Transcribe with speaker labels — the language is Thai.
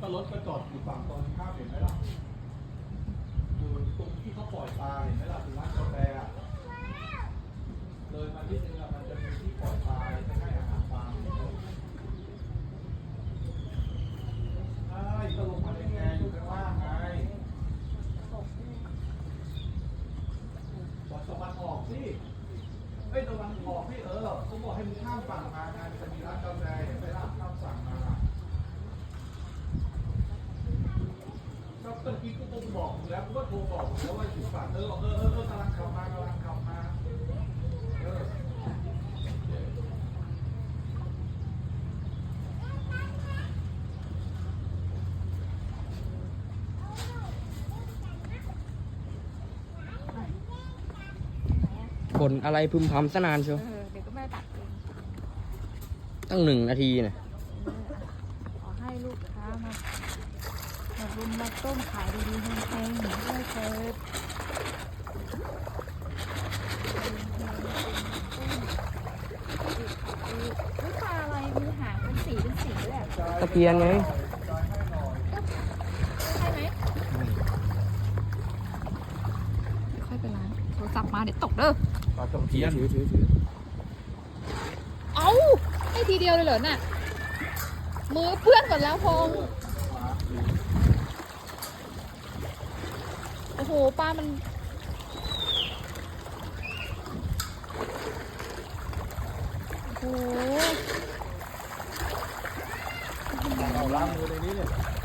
Speaker 1: ก็รถก็จอดอยู่ฝั่งตรงข้ามเห็นไหมล่ะอยู่ตรงที่เขาปล่อยปลาเห็นไหมล่ะถึงร้านกาแฟอะเลยมาที่นึงอะมันจะมีที่ปล่อยปลาจะให้อาหารปลาใช่ก็ลงมาในแพอยู่ข้างล่างไงตะวันออกสิเอ้ยตะวันออกพี่เขาบอกให้มึงข้ามฝั่งมาไงจะมีร้านกาแฟเห็นไหมล่ะข้ามฝั่งมาก็เมื่อกี้กูต้องบอกมึงแล้วกูก็โทรบอกมึงแล้วว่าอยู่ฝั่งกำลังขับมากำลังขับมา
Speaker 2: บ่นอะไรพึมพำซะนานเชียว
Speaker 3: เดี๋ยวก็แม่ตัดเอง
Speaker 2: ตั้ง1 นาทีเนี่ย
Speaker 3: ขอให้ลูกค้ามารุมมาต้มขายดีๆแพงๆด้วยเถิดนี่ปลาอะไรมีหางเป็นสีด้วยอะ
Speaker 2: ตะเพียนไง
Speaker 3: ใช่ไหมค่อยไปล้างโทรศัพท์มาเดี๋ยวตกเด้อ
Speaker 1: ปลาตะเพียน
Speaker 2: ถือ
Speaker 3: เอ้าให้ทีเดียวเลยเหรอน่ะมือเพื่อนหมดแล้วพงษ์โอ้โหปลามันโอ้โห
Speaker 1: เอาล้างมือในนี้เนี่ย